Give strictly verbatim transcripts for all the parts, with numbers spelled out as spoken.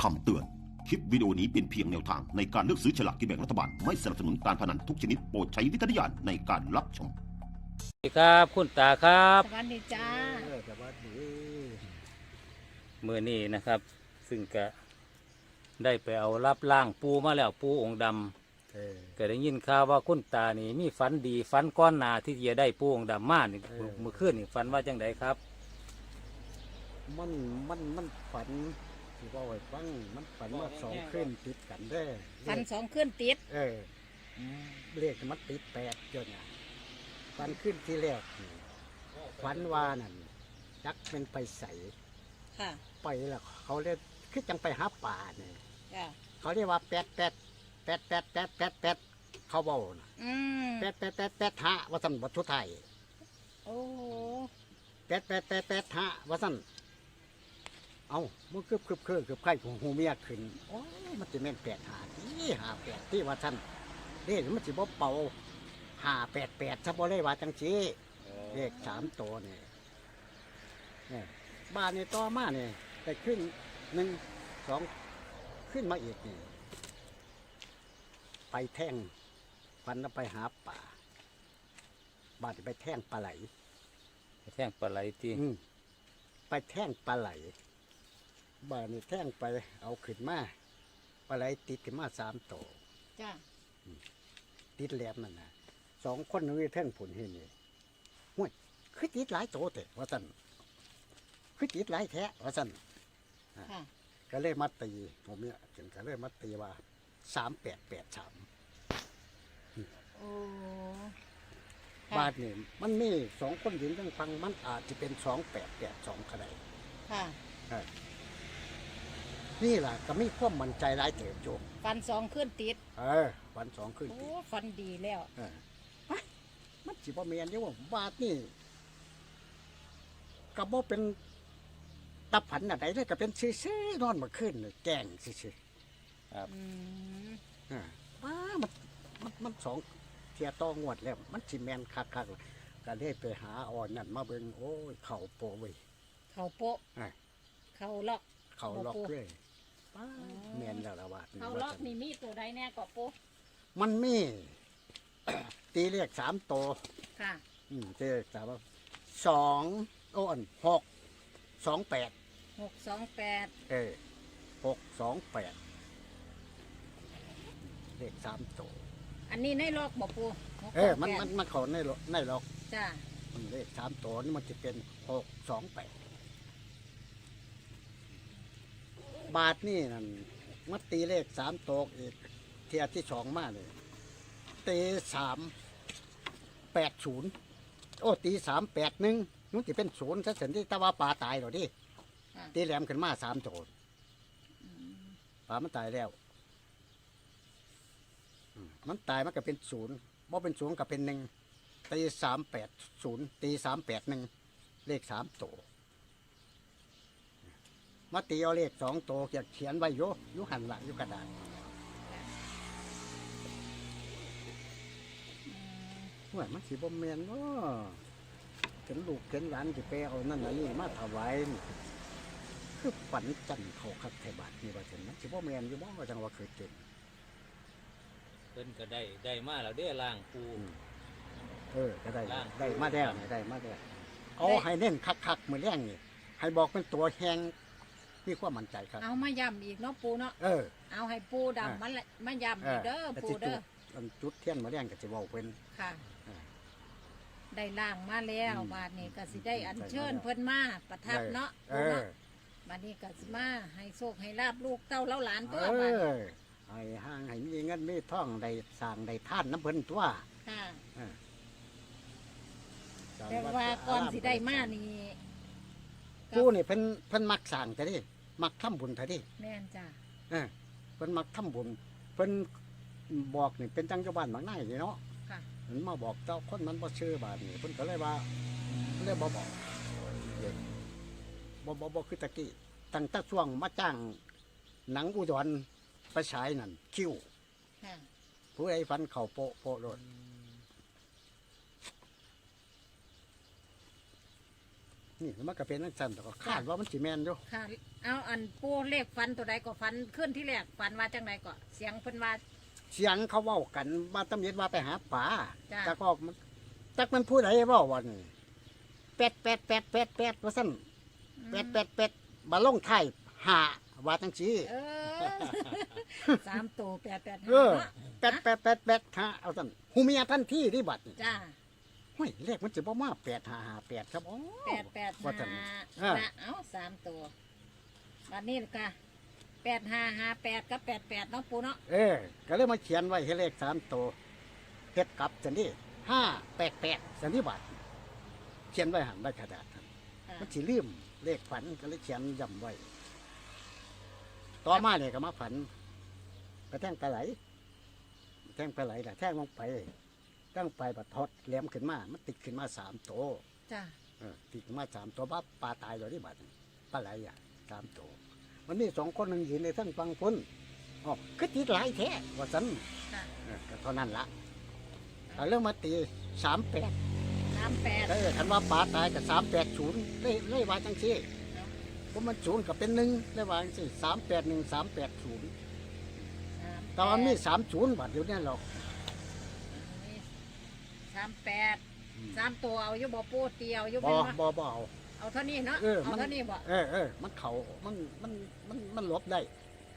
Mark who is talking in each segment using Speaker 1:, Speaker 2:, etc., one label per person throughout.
Speaker 1: คำเตือน คลิปวิดีโอนี้เป็นเพียงแนวทางในการเลือกซื้อฉลากกินแบ่งรัฐบาล ไม่สนับสนุนการพนันทุกชนิดโปรดใช้วิจารณญาณในการรับชม
Speaker 2: สวัสดีครับคุณตาครับ
Speaker 3: สวัสดีจ้า
Speaker 4: เออสวัสดี
Speaker 2: เมื่อนี้นะครับ ซึ่งก็ได้ไปเอารับล่างปูมาแล้วปูองค์ดำ
Speaker 4: เออ
Speaker 2: ก็ได้ยินข่าวว่าคุณตานี่มีฝันดีฝันก้อนหนาที่จะได้ปูองค์ดำมานี่เมื่อคืนนี่ฝันว่าจังไดครับ
Speaker 4: มันมันมันฝันที่ว่าไว้ฟังมันฝันว่าสองคืนติดกันได้อ
Speaker 3: ฟันสองขึ้นติด
Speaker 4: เออเลขมันติดแปดจนอ่ะฝันขึ้นที่แรกนี่ฝันว่านั่นจักเป็นไปใส
Speaker 3: ค่ะ
Speaker 4: ไปแล้วเขาเรียกคือจังไปหาป่าเนี่ย
Speaker 3: จ้า
Speaker 4: เขาเรียกว่าแปดแปดแปดแปดแปดแปดแปดเขาเบานะ
Speaker 3: อืม
Speaker 4: แปดแปดแปดแปดหะว่าสันวัตถุไทย
Speaker 3: โอ้
Speaker 4: แปดแปดแปดแปดหะว่าสันเอามันคืบคืบคืบคืบไข่ของหูเมียขึ้นโอ้ยมันจะแม่นแปดหาที่หาแปดที่ว่าสันเด็กมันจะบ่เป่าหาแปดแปดซะบ่ได้ว่าจังสีเลขสามตัวเนี่ยเนี่ยบ้านนี่ต่อมาเนี่ยไปขึ้นหนึ่งสองขึ้นมาอีกนี่ไปแท่งฟันแล้วไปหาป่าบ้านนี่ไปแท่งปลาไหล
Speaker 2: แท่งปลาไหลที่
Speaker 4: อืมไปแท่งปลาไหลบ้านนี่แท่งไปเอาขึ้นมาปลาไหลติดขึ้นมาสามตัว
Speaker 3: จ้า
Speaker 4: ติดแหลมนั่นนะสองคนนี่แท่งผุนเห็นนี่ห้วยคือติดหลายตัวแต่ว่าสันคือติดหลายแท้ว่าสัน
Speaker 3: ค่ะ
Speaker 4: ก็เลยมาตีผมเนี่ยถึงก็เลยมาตีว่าสามแปดแปดสาม
Speaker 3: โอ้
Speaker 4: บาทนี่มันมีสองคนยืนยังฟังมันอาจจะเป็นสองแปดแปดสองก็ได้
Speaker 3: ค่ะ
Speaker 4: นี่แหละก็มีความมั่นใจหลายเติบโจ
Speaker 3: ฟันสองขึ้นติด
Speaker 4: เออวันสองขึ้น
Speaker 3: โอ้
Speaker 4: ติ
Speaker 3: ฟันดีแล้ว
Speaker 4: เออเฮ้ยมันจิบ่เมียนเดียวว่าบาทนี่ก็บ่เป็นตับผันอะไรเลยก็เป็นซื่อๆนอนมาขึ้นเลยแกล้งซื่อ
Speaker 3: อืม
Speaker 4: ๆอ่าว้ามันมันมันสองเทียต่องวดแล้ว มันสิแมนคักๆเลยก็เลยไปหาอ่อนนั่นมาเบิ่งโอ้ยเข่าโปะเว้ย
Speaker 3: เขาโปะ
Speaker 4: อ่า
Speaker 3: เขาล็อก
Speaker 4: เขาล็อก
Speaker 3: บ่ปู
Speaker 4: เลยป้าแมนแล้วละบาท
Speaker 3: เขาล็อกนี่มีตัวใดแน่ก็โปะ
Speaker 4: มันมี ตีเลขสามตัว
Speaker 3: ค่ะ
Speaker 4: อืมตีเลขสามสองโอ้อันหกสองแปด
Speaker 3: หกสองแปด
Speaker 4: เออหกสองแปดเลขสามตัว
Speaker 3: อันนี้ในล็อกบ่ปูหก
Speaker 4: เออ
Speaker 3: สง
Speaker 4: มัน
Speaker 3: แปด
Speaker 4: มันมันเขาในหรอกในหรอก
Speaker 3: จ้า
Speaker 4: อืมเลขสามตัวนี่มันจะเป็นหกสองแปดบาทนี่นั่นมันตีเลขสามตัวอีกเทียที่สองมาเลยตีสามแปดศูนย์โอ้ตีสามแปดหนึ่งนู้นจะเป็นศูนย์ซะเสียที่ตะว่าปลาตายหรอดิ
Speaker 3: ค่ะ
Speaker 4: ตีแหลมขึ้นมาสามโจด
Speaker 3: อืม
Speaker 4: ปลามันตายแล้วอืมมันตายมันก็เป็นศูนย์บ่เป็นศูนย์ก็เป็นหนึ่งตีสามแปดศูนย์ตีสามแปดหนึ่งเลขสามโตวมาตีเอาเลขสองโตวเขียนเขียนไว้โยอยุหันหลังยุกระดาษ
Speaker 3: อืม
Speaker 4: ว่ามันสีบ่แมนว่าเห็นลูกเห็นหลานจะไปเอานั่นอันนี่มาถวายนี่คือฝันจันทร์เขาคักไทยบาทนี่ว่าเห็นมันสีบ่แมนอยู่บ่ว่าจังว่าเคยเกิด
Speaker 2: เพิ่นก็ได้ได้มาแล้วเด้อล่างปู
Speaker 4: เออก็ได้
Speaker 2: ล่าง
Speaker 4: ได้มาแล้วนี่ได้มาแล้วเอาให้เน้นคักๆมือแรงนี่ให้บอกเป็นตัวแหงมีความมั่นใจครับ
Speaker 3: เอามาย้ำอีกเนาะปูเนาะ
Speaker 4: เออ
Speaker 3: เอาให้ปูดำมันละมาย้ำอีกเด้อ
Speaker 4: แต่
Speaker 3: ปู
Speaker 4: สิจุ
Speaker 3: เด้อ
Speaker 4: ดอันจุดเทียนมือแรงก็จะบอกเป็น
Speaker 3: ค่ะ
Speaker 4: อ่า
Speaker 3: ได้ล่างมาแล้ว
Speaker 4: อืม
Speaker 3: บาดนี้ก็สิได้อัญ
Speaker 4: ได้
Speaker 3: เชิญ
Speaker 4: มาแล้ว
Speaker 3: เพิ่นมาประทับเนาะ
Speaker 4: เอ
Speaker 3: ปู
Speaker 4: อ
Speaker 3: เนาะบาดนี้ก็สิมาให้โชคให้ลาบลูกเต้าเล้าหลาน
Speaker 4: เอ
Speaker 3: ตัวบาดนี้
Speaker 4: อให้ห้างให้มีเงินมีท่องได้สร้างได้ท่านน้ำเพิ่นตัว
Speaker 3: ค่ะ
Speaker 4: สร้ง
Speaker 3: แต่
Speaker 4: ด
Speaker 3: ว่าก่อน
Speaker 4: รม
Speaker 3: สิได้มานี่
Speaker 4: กูนี่เพิ่นเพิ่นมักสร้างแต่ดิมักทำบุญแต่ดิ
Speaker 3: แม่นจ้ะ
Speaker 4: เออเพิ่นมักทำบุญเพิ่นบอกนี่เป็นจังเจ้าบ้านบางนายนี่เนาะ
Speaker 3: ค่ะ
Speaker 4: มันมาบอกเจ้าคนมันบ่ชื่อบาดนี่เพิ่นก็เลยว่าเลยบ่บอกเด็กบ่บ่บ่คือตะกี้ตั้งแต่ช่วงมาจ้างหนังอุดรไปฉายนั่นคิว
Speaker 3: ค่ะ
Speaker 4: ผู้ใดฟันเข่าโปะโปะโลดนี่มันก็เป็นจังซั่นแต่ก็คาดว่ามันสิแม่นอยู่
Speaker 3: ค่ะ เอาอันปูเลขฟันตัวใดก็ฟันขึ้นที่แรกฟันว่าจังไดก็เสียงเพิ่นว่า
Speaker 4: เสียงเขาเว้ากันว่าตำเย็ดว่าไปหาปลา
Speaker 3: จ้ะ
Speaker 4: แต่ก็มันจักมันผู้ใดเว้าว่านี่แปดแปดแปดแปดแปดว่าซั่นแปดแปดแปดมาลงท้ายห้าว่าจังซี่
Speaker 3: เออ สามตัวแปดแปด
Speaker 4: เออแปดแปดแปดแปดห้าเอาซั่นหูเมียทันทีที่บัดนี่
Speaker 3: จ้า
Speaker 4: ห้ยเลขมันจะบ่มาแปดห้าห้าแปดครับอ๋อ
Speaker 3: แปดแปด
Speaker 4: ว่าซั่น
Speaker 3: ห้า
Speaker 4: อ่า
Speaker 3: นะเอาสามตัววันนี้ลูกค่ะแปดห้าห้าแปดกับแปดแปดเนาะปูเนาะ
Speaker 4: เออ ก็เลยมาเขียนไว้ให้เลขสามตัวเฮ็ดกลับจังนี้ห้าแปดแปดจังนี้บัดเขียนไว้หันใบกระดาษหั่น
Speaker 3: อ่า
Speaker 4: มันสิลืมเลขฝันก็เลยเขียนย้ำไว้ ต่อมาเนี่ยก็มาฝันไปแท่งปลาไหลแท่งปลาไหลแหละแท่งลงไปตั้งไปบัดทอดแหลมขึ้นมา มันติดขึ้นมาสามตัว
Speaker 3: จ้า
Speaker 4: เออติดขึ้นมาสามตัวบ้าปลาตายเลยที่บัดปลาไหลอ่ะสามตัวมันมีสองคนหนึ่งยืนในทั้งฟังพ้นอ๋อคือติดหลายแท้ว่าสัน
Speaker 3: ค่ะ
Speaker 4: เออก็เท่านั้นละเอาเรื่องมาตีสามแปด
Speaker 3: สามแปด
Speaker 4: เออคันว่าปลาตายกับสามแปดศูนย์เลยเลยว่าจังซี่เพราะมันศูนย์กับเป็นหนึ่งเลยว่าจังซี่สามแปดหนึ่งสามแปดศูนย์แต่ว่ามีสามศูนย์บาทเดียวเนี่ยหรอก
Speaker 3: สามแปดสามตัวเอาอยู่บ่ปูเตียวอยู่
Speaker 4: บ่
Speaker 3: เป็น
Speaker 4: บ่
Speaker 3: บ่
Speaker 4: บ่เอา
Speaker 3: เอาเท่านี้เนาะ
Speaker 4: เออ
Speaker 3: เอา
Speaker 4: มัน
Speaker 3: เท่านี้บ่
Speaker 4: เออเออมันเขามันมันมันมันหลบได้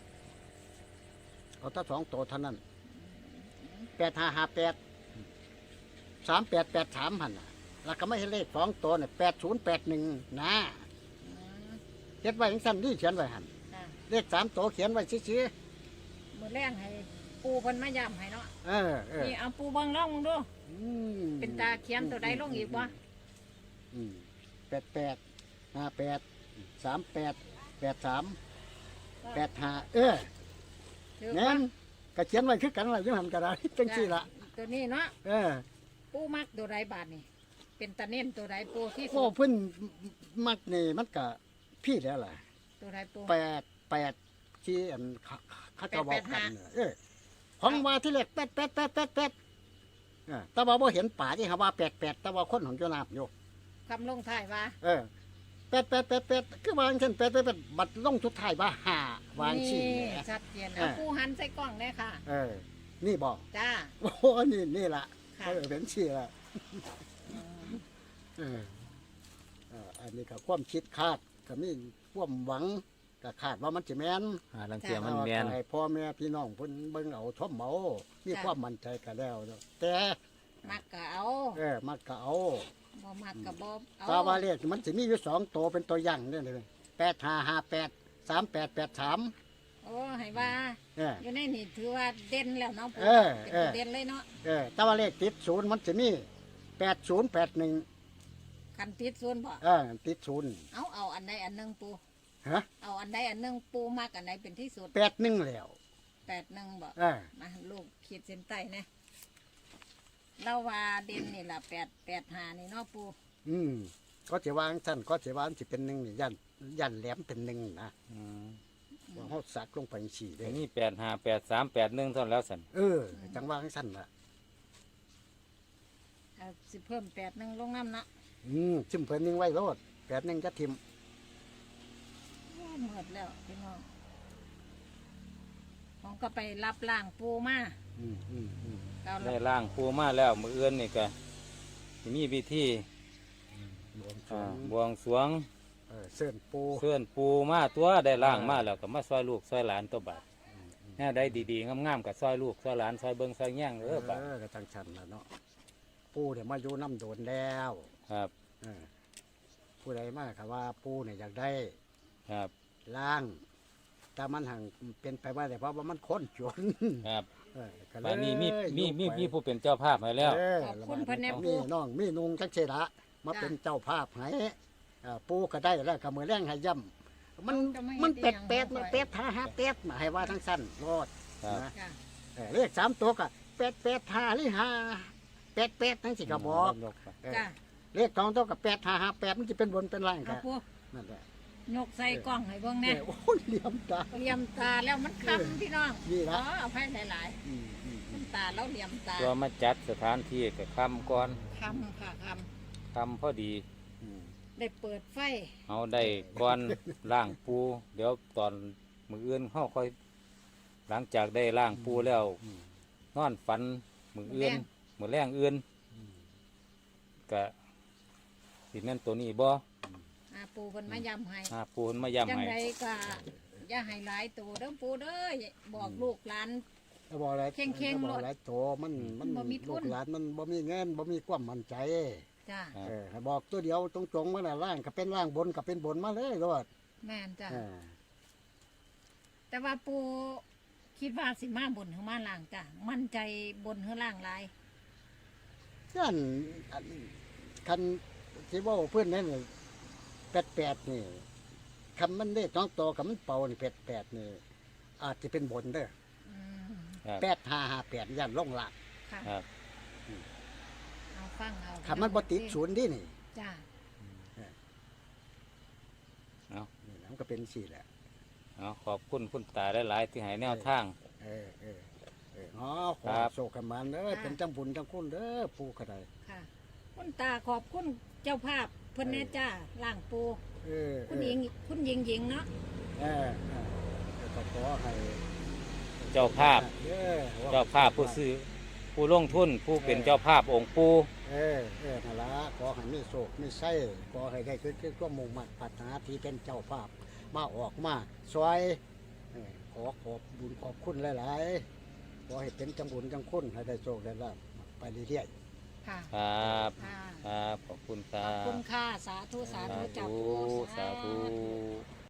Speaker 4: เอาถ้าสองตัวเท่านั้นแปดห้าห้าแปดสามแปดแปดสามหันน่ะแล้วก็ไม่ให้เลขสองตัวเนี่ยแปดศูนย์แปดหนึ่งนะ
Speaker 3: อืม
Speaker 4: เขียนไว้ยังสั้นนี่เขียนไว้หัน
Speaker 3: จ้ะ
Speaker 4: เลขสามตัวเขียนไว้ชี้
Speaker 3: มือแรงให้ปูเพิ่นมาย้ำให้เนาะ
Speaker 4: ๆเออเออ
Speaker 3: นี่เอาปูเบิ่งลองมึงดู
Speaker 4: อืม
Speaker 3: เป็นตาเขียนตัวใดลงอีกบ่
Speaker 4: อืมแปดแปดห้าแปดสามแปดแปดสามแปดห้าเออ
Speaker 3: ถือ
Speaker 4: แน่นก็เขียนไว้คือกันอะไรยังหันกระดาษจังสี่ละ
Speaker 3: ตัวนี้เนาะ
Speaker 4: เออ
Speaker 3: ปูมักตัวใดบาทนี่เป็นตาเน้นตัวใดปูที่สุ
Speaker 4: โอ้
Speaker 3: ด
Speaker 4: เพิ่นมักนี่มันก็พี่แล้วล่ะ
Speaker 3: ตัวใดปู
Speaker 4: แปดแปดที่อันเขาเขาจะบอกกัน
Speaker 3: แปดแปดห้า
Speaker 4: เนี่ยเออของว่าที่เล็กแปดแปดแปดแปดแปดเออแต่ว่าบ่เห็นป่าที่เขาว่าแปดแปดแต่ว่าคนของเจ้านาบอยู่
Speaker 3: คำลงท้ายว่า
Speaker 4: เออแปดแปดแปดแปดคือวางเช่นแปดแปดแปดบัดลงทุดท้ายว่าห้าวางชี้
Speaker 3: นี่
Speaker 4: แหม
Speaker 3: ชัดเจน
Speaker 4: เอ
Speaker 3: เอา
Speaker 4: อ
Speaker 3: ปูหันใส่กล้องได้ค่ะ
Speaker 4: เออ นี่บอก
Speaker 3: จ้า
Speaker 4: โอ้โหนี่นี่ล่ะ
Speaker 3: ค่ะ
Speaker 4: เออเป็นชี้ละเออเอออันนี้ก็ความคิดคาดก็มีความหวังก็คาดว่ามันจะแม่น
Speaker 2: หาลังเทียมันแมน
Speaker 4: ให้พ่อแม่พี่น้องเพิ่นเบิ่งเอาทบเมามีความมั่นใจก็แล้วเนาะแต่
Speaker 3: มักก็เอา
Speaker 4: เออมักก็เอา
Speaker 3: บ่มักก็บ่เอา
Speaker 4: ตาว่าเลขมันสิมีอยู่สองตัวเป็นตัวอย่างเนี่ยเลยแปดห้าห้าแปดสามแปดแปดสาม
Speaker 3: โอ้ให้ว่า
Speaker 4: เออ
Speaker 3: อยู่ในนี่ถือว่าเด่นแล้วเนาะปู
Speaker 4: เออ
Speaker 3: เป็น
Speaker 4: เออ
Speaker 3: ตัวเด่นเลยเนาะ
Speaker 4: เออแต่ว่าเลขติดศูนย์มันจะมีแปดศูนย์แปดหนึ่ง
Speaker 3: คันติดส่วนบ่
Speaker 4: เออติดศูนย์
Speaker 3: เอาเอาอันใดอันหนึงปู
Speaker 4: ฮะ
Speaker 3: เอาอันใดอันหนึงปูมักอันใดเป็นที่สุด
Speaker 4: แปดหนึ่งแล้ว
Speaker 3: แปดหนึ่งบ่
Speaker 4: เออ
Speaker 3: มาลูกขีดเส้นใต้นะเราว่าเด่นนี่ล่ะแปดแปดหานี่เนาะปู
Speaker 4: อืมก็จะวางสั้นก็จะวางสิเป็นหนึ่งนี่ยันยันแหลมเป็นหนึ่งนะ
Speaker 2: อืม
Speaker 4: ว่าเขาสักลงไปสี่เล
Speaker 2: เดี๋ย
Speaker 4: ยว
Speaker 2: นี้แปดห้าแปดสามแปดหนึ่งเท่านั้นแล้วสัน
Speaker 4: เออจังวางสั้นละ
Speaker 3: เอาสิเพิ่มแปดหนึ่งลงน้ำเนาะ
Speaker 4: อืมชิมเพิ่นนิ่งไว้โลดแปดหนึ่งจะทิม
Speaker 3: โอ้หมดแล้วพี่น้องผมก็ไปรับล่างปูมา
Speaker 4: อืมอืมอืม
Speaker 3: เกา
Speaker 2: ได้
Speaker 3: แล้ว
Speaker 2: ล่างปูมาแล้วมือเอื้อนนี่ก็สิมีพิธี
Speaker 4: บวงสร
Speaker 2: อ่าว งบวงสรวง
Speaker 4: เออเส้นปู
Speaker 2: เพื่อนปูมาตัวได้ล่างมาแล้วก็มาซอยลูกซอยหลานตัวบาดแน่ได้ดีๆงามๆกับซอยลูกซอยหลานซอยเบิ้งซอยแย่ง
Speaker 4: เอ
Speaker 2: เออบาด
Speaker 4: อก็จังชันแล้วเนาะปูเนี่ยมาอยู่น้ำโดนแล้ว
Speaker 2: ครับ
Speaker 4: เออผู้ใดมากค่ะว่าปูเนี่ยอยากได้
Speaker 2: ครับ
Speaker 4: ล่าง แต่มันห่างเป็นไปว่าแต่เพราะว่ามันค้นจน
Speaker 2: ครับ
Speaker 4: เออก็เลย
Speaker 2: บาดนี้มีมีมี
Speaker 4: ยกไป
Speaker 2: มีผู้เป็นเจ้าภาพให้แล้ว
Speaker 4: เออ
Speaker 3: ขอบคุณเพิ่นแน่
Speaker 4: มี
Speaker 3: ปู
Speaker 4: น้องมีนุงจักเชละมา
Speaker 3: จ้ะ
Speaker 4: เป็นเจ้าภาพให้เอ่อปูก็ได้แล้วก็มือแรงให้ย่ำมัน
Speaker 3: จะไม่
Speaker 4: มัน
Speaker 3: เฮ็
Speaker 4: เป็
Speaker 3: ด
Speaker 4: ด
Speaker 3: อีหยัง
Speaker 4: เป็ด
Speaker 3: บ่ค่อย
Speaker 4: มันเป็ดห้าห้าเป็ดมาให้ว่าทั้งสั้นรอด
Speaker 2: ครับ
Speaker 4: นะ
Speaker 3: ค่ะ
Speaker 4: เออเลขสามตัวก็เป็ดเป็ดห้าหรือห้าเป็ดเป็ดทั้งสี่กระบอก
Speaker 2: ยกไป
Speaker 4: เออ
Speaker 3: จ้า
Speaker 4: เลขสองตัวกับเป็ดห้าห้าเป็ดมันจะเป็นบนเป็นล่าง
Speaker 3: เอา
Speaker 4: กัน
Speaker 3: ปู
Speaker 4: นั่นแหละ
Speaker 3: ยกใส่กล้องให้เบิ่งแน่
Speaker 4: เออโอ้ยเหลี่ยมตา
Speaker 3: เหลี่ยมตาแล้วมันคำพี่น้อง
Speaker 4: นี่
Speaker 3: อ๋
Speaker 4: ละ
Speaker 3: อเอาให้หลาย
Speaker 4: อืมอืม
Speaker 3: ๆ
Speaker 4: อืม
Speaker 3: น้ำตาแล้วเหลี่ยมตา
Speaker 2: ตัวมาจัดสถานที่กับคำก่อน
Speaker 3: คำค่ะค
Speaker 2: คำพอดี
Speaker 4: อืม
Speaker 3: ำได้เปิดไฟ
Speaker 2: เอาได้ก่อน ล่างปูเดี๋ยวตอนมืออื่นเขาค่อย หลังจากได้ล่างปูแล้ว
Speaker 4: อืม
Speaker 2: นอนฝันมืออื่นมือแรงอื่น
Speaker 4: อืม
Speaker 2: ก็สิแม่นตัวนี้บ่
Speaker 3: อาปูเพิ่นมายำให้
Speaker 2: หาปูนมาย้ำ
Speaker 3: จัง
Speaker 2: ให้
Speaker 3: ไดก็อย่าให้หลายตัวเด้อปูเด้อบอกลูกหลาน
Speaker 4: แล้วบอกอะไร
Speaker 3: เข่งๆ
Speaker 4: แล้วบอกอะไรโตมันมัน
Speaker 3: บ่มีทุน
Speaker 4: ลูกหลานมันบ่มีเงินบ่มีความมั่นใจ
Speaker 3: จ้า
Speaker 2: ครับ
Speaker 4: เออให้บอกตัวเดียวตรงๆมาน่ะล่างก็เป็นล่างบนก็เป็นบนมาเลยรอด
Speaker 3: แม่นจ้า
Speaker 4: เออ
Speaker 3: แต่ว่าปูคิดว่าสิมาบนหรือมาล่างจ้ามั่นใจบนหรือล่างหลาย
Speaker 4: นั่นอันคันที่ว่าเพื่อนนั่นแปดแปดนี่คำมันได้ต้องโตกับมันเป่านี่แปดแปดนี่อาจจะเป็นบนเด้อ
Speaker 3: อืม
Speaker 2: ครับ
Speaker 4: แปดห้าห้าแปดยันล่องหลัก
Speaker 3: ค่ะ
Speaker 2: ครับ
Speaker 3: เอาฟังเอา
Speaker 4: คำมันบ่ติดศูนย์ดินี่
Speaker 3: จ้า
Speaker 2: เอา
Speaker 4: นี่นะมันก็เป็นสี่แหละ
Speaker 2: เอาขอบคุณคุณตาหลายๆที่ให้แนวทาง
Speaker 4: เออเออเอออ๋อข
Speaker 2: ค
Speaker 4: อ
Speaker 2: รับ
Speaker 4: โศกกันมันเด้อเป็นจังบุญจังคุณเด้อผู้ขดาย
Speaker 3: ค่ะคุณตาขอบคุณเจ้าภาพเพิ่นแน่จ้าล่างปู
Speaker 4: เออเอ
Speaker 3: คุณ
Speaker 4: อ
Speaker 3: หญิงคุณหญิงหญิงเนาะ
Speaker 4: เออเออแล้วก็ขอให้
Speaker 2: เจ้าภาพ
Speaker 4: เออ
Speaker 2: เจ้าภาพผู้ซื้อผู้ลงทุนผู้เป็นเจ้าภาพองค์ปู
Speaker 4: เออเออนั่นละขอให้มีโศกมีไส้ขอให้ได้คือคือความมุ่งมั่นปรารถนาที่เป็นเจ้าภาพมาออกมาซอยเออขอขอบบุญขอบคุณหลายๆขอให้เป็นจังบุญจังคุณให้ได้โชคได้ลาภไปเรื่อย
Speaker 3: ค่ะ
Speaker 2: ครับ
Speaker 3: ค่ะ
Speaker 2: ครับขอบคุณค
Speaker 3: ข
Speaker 2: รั
Speaker 3: อบบ คุณค่ะ สาธุ สาธุ
Speaker 2: สา
Speaker 3: จ้า
Speaker 2: ธุ
Speaker 3: ปู
Speaker 2: สาธุ